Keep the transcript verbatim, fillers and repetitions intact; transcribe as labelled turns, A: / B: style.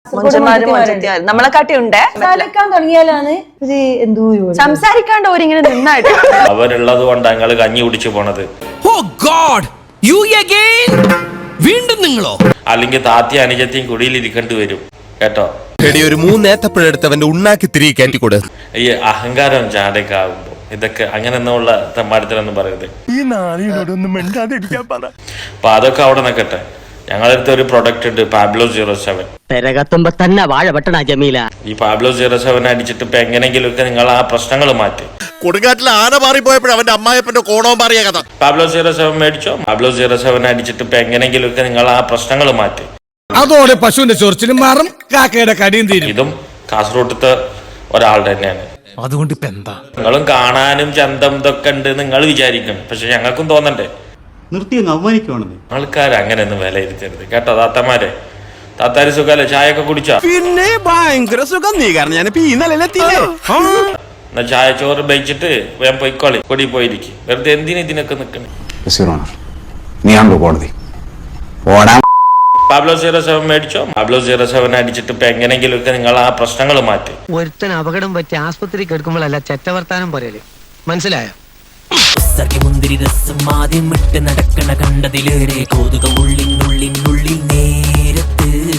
A: നമ്മളെക്കാട്ടി ഉണ്ട്
B: സംസാരിക്കാൻ തുടങ്ങിയാലാണ് ഒരു എന്തോ
A: സംസാരിക്കാണ്ട് ഓരിങ്ങനെ നിന്നായിട്ട്
C: അവരുള്ളത് കൊണ്ട് ഞങ്ങൾ കഞ്ഞി കുടിച്ചു പോണത്.
D: വീണ്ടും നിങ്ങളോ?
C: അല്ലെങ്കിൽ താത്തി അനുജത്തിയും കുടിയിലിരിക്കേണ്ടി വരും കേട്ടോ.
D: ഒരു മൂന്നേത്തപ്പഴെടുത്തവന്റെ ഉണ്ണാക്കി തിരികെ കയറ്റിക്കൂടെ.
C: ഈ അഹങ്കാരം ചാടൊക്കെ ആകുമ്പോ ഇതൊക്കെ അങ്ങനെ എന്നുള്ള തെമ്മാടത്തിലൊന്നും പറയരുത്. അപ്പൊ അതൊക്കെ അവിടെ നിൽക്കട്ടെ. ഞങ്ങളടുത്ത് ഒരു പ്രൊഡക്റ്റ് ഉണ്ട്, പാബ്ലോ സീറോ സെവൻ.
E: പെരകത്തുമ്പോ തന്നെ വാഴ വെട്ടണ ജമീല.
C: ഈ പാബ്ലോ സീറോ സെവൻ അടിച്ചിട്ട് ഇപ്പൊ എങ്ങനെങ്കിലും ഒക്കെ നിങ്ങൾ ആ പ്രശ്നങ്ങൾ മാറ്റി.
D: കൊടുങ്കാറ്റിൽ ആന മാറിപ്പോയപ്പോഴും അവന്റെ അമ്മായപ്പന്റെ കോണവും മാറിയ കഥ.
C: പാബ്ലോ സീറോ സെവൻ മേടിച്ചോ. പാബ്ലോ സീറോ സെവൻ അടിച്ചിട്ട് ഇപ്പൊ എങ്ങനെങ്കിലും ഒക്കെ നിങ്ങൾ ആ പ്രശ്നങ്ങൾ മാറ്റി.
F: അതോടെ പശുവിന്റെ ചൊറിച്ചിലും മാറും, കാക്കയുടെ കടിയും തീരും.
C: ഇതും കാസർഗോഡത്തെ ഒരാൾ തന്നെയാണ്.
F: അതുകൊണ്ട് ഇപ്പൊ എന്താ?
C: നിങ്ങളും കാണാനും ചന്തം ഇതൊക്കെ ഉണ്ട് നിങ്ങൾ വിചാരിക്കണം, പക്ഷെ ഞങ്ങൾക്കും തോന്നണ്ടേ.
G: നിർത്തി അവമാനിക്കുവാണെന്ന്.
C: ആൾക്കാർ അങ്ങനെയൊന്നും വിലയിരുത്തരുത് കേട്ടോ. താത്തമാരെ, താത്താരി സുഖല്ലേ? ചായ ഒക്കെ കുടിച്ചാ?
D: പിന്നെ ഭയങ്കര സുഖം. നീ കാരണം ഞാൻ
C: എന്നാ ചായ ചോറ് ബയിച്ചിട്ട് വേഗം പൊയ്ക്കോളി, കൊടി പോയിരിക്കും. വെറുതെ എന്തിനു ഇതിനൊക്കെ നിക്കണേ. പാബ്ലോ സീറോ സെവൻ മേടിച്ചോ. പാബ്ലോ സീറോ സെവൻ അടിച്ചിട്ട് ഇപ്പൊ എങ്ങനെങ്കിലും ഒക്കെ നിങ്ങൾ ആ പ്രശ്നങ്ങൾ മാറ്റി.
E: ഒരുത്തൻ അപകടം പറ്റി ആസ്പത്രി കിടക്കുമ്പോഴല്ല ചെറ്റവർത്താനം പറയല്, മനസ്സിലായോ?
H: മുന്തിരി രസം ആദ്യം വിട്ട് നടക്കണ കണ്ടതിലേറെ കൗതുകം ഉള്ളിനുള്ളിനുള്ളിൽ നേ